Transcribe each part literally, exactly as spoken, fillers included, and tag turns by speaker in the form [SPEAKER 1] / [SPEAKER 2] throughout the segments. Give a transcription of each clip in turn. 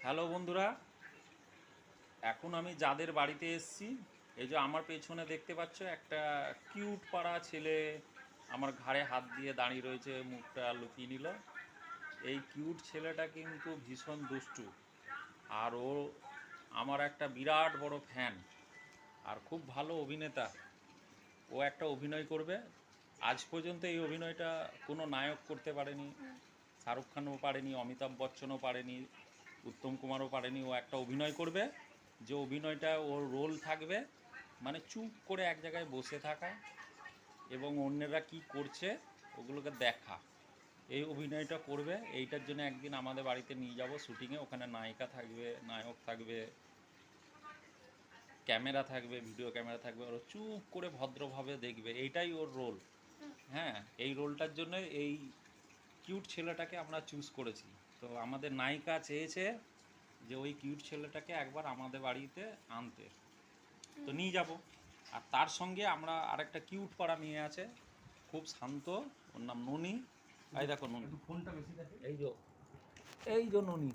[SPEAKER 1] Hello বন্ধুরা, এখন আমি যাদের বাড়িতে এসেছি, এই যে আমার পেছনে দেখতে পাচ্ছ একটা কিউট পাড়া ছেলে আমার ঘাড়ে হাত দিয়ে দাঁড়িয়ে রয়েছে, মুখটা লুকিয়ে নিল। এই কিউট ছেলেটা কিন্তু ভীষণ দুষ্টু, আর ও আমার একটা বিরাট বড় ফ্যান আর খুব ভালো অভিনেতা। ও একটা অভিনয় করবে। আজ পর্যন্ত এই অভিনয়টা কোনো নায়ক করতে পারেনি, শাহরুখ খানও পারেনি, অমিতাভ বচ্চনও পারেনি, উত্তম কুমারও পারেনি। ও একটা অভিনয় করবে, যে অভিনয়টা ওর রোল থাকবে মানে চুপ করে এক জায়গায় বসে থাকা এবং অন্যেরা কি করছে ওগুলোকে দেখা। এই অভিনয়টা করবে। এইটার জন্য একদিন আমাদের বাড়িতে নিয়ে যাব শ্যুটিংয়ে। ওখানে নায়িকা থাকবে, নায়ক থাকবে, ক্যামেরা থাকবে, ভিডিও ক্যামেরা থাকবে। ওর চুপ করে ভদ্রভাবে দেখবে, এইটাই ওর রোল। হ্যাঁ, এই রোলটার জন্য এই কিউট ছেলেটাকে আমরা চুজ করেছি। তো আমাদের নায়িকা চেয়েছে যে ওই কিউট ছেলেটাকে একবার আমাদের বাড়িতে আনতে, তো নিয়ে যাব। আর তার সঙ্গে আমরা আরেকটা কিউট পাড়া নিয়ে আছে, খুব শান্ত, ওর নাম ননি। এই দেখো ননি, ফোনটা বেশি দেখে। এই যে এই যে ননি,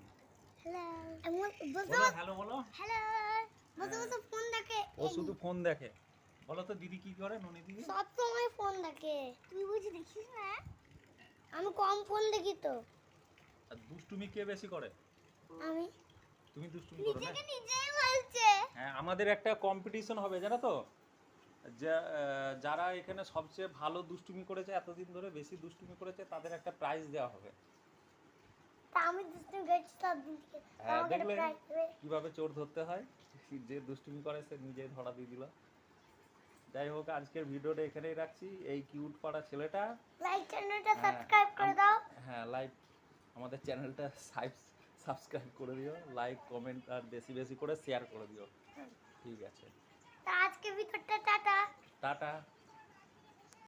[SPEAKER 1] হ্যালো বলো।
[SPEAKER 2] ফোন দেখে,
[SPEAKER 1] ও শুধু ফোন দেখে। বলো তো দিদি কি করে? ননি দিদি
[SPEAKER 2] সব সময় ফোন দেখে। তুই বুঝি দেখিস না? আমি কম ফোন দেখি তো।
[SPEAKER 1] আর দুষ্টুমি কে বেশি করে?
[SPEAKER 2] আমি।
[SPEAKER 1] তুমি দুষ্টুমি করো না?
[SPEAKER 2] নিজেকে নিজেই বলছে।
[SPEAKER 1] হ্যাঁ, আমাদের একটা কম্পিটিশন হবে জানো তো, যে আহ, যারা এখানে সবচেয়ে ভালো দুষ্টুমি করেছে, এতদিন ধরে বেশি দুষ্টুমি করেছে, তাদের একটা প্রাইজ দেওয়া হবে।
[SPEAKER 2] তা আমি দুষ্টুমি করছি সব দিন থেকে।
[SPEAKER 1] হ্যাঁ,
[SPEAKER 2] আমাকে একটা
[SPEAKER 1] দেখলে
[SPEAKER 2] প্রাইজ দেবে।
[SPEAKER 1] কিভাবে চোর ধরতে হয়। যে দুষ্টুমি করে সে নিজেই ধরা দিয়ে দিল। যাই হোক, আজকের ভিডিওটা এখানেই রাখছি। এই কিউট পাড়া ছেলেটা,
[SPEAKER 2] লাইক চ্যানেলটা
[SPEAKER 1] হ্যাঁ,
[SPEAKER 2] সাবস্ক্রাইব করে
[SPEAKER 1] আম-
[SPEAKER 2] দাও।
[SPEAKER 1] হ্যাঁ, লাইক, আমাদের চ্যানেলটা সাবস্ক্রাইব করে দিও, লাইক কমেন্ট আর বেশি বেশি করে শেয়ার করে দিও। ঠিক আছে,
[SPEAKER 2] তা আজকে ভিডিওটা টাটা।
[SPEAKER 1] টাটা।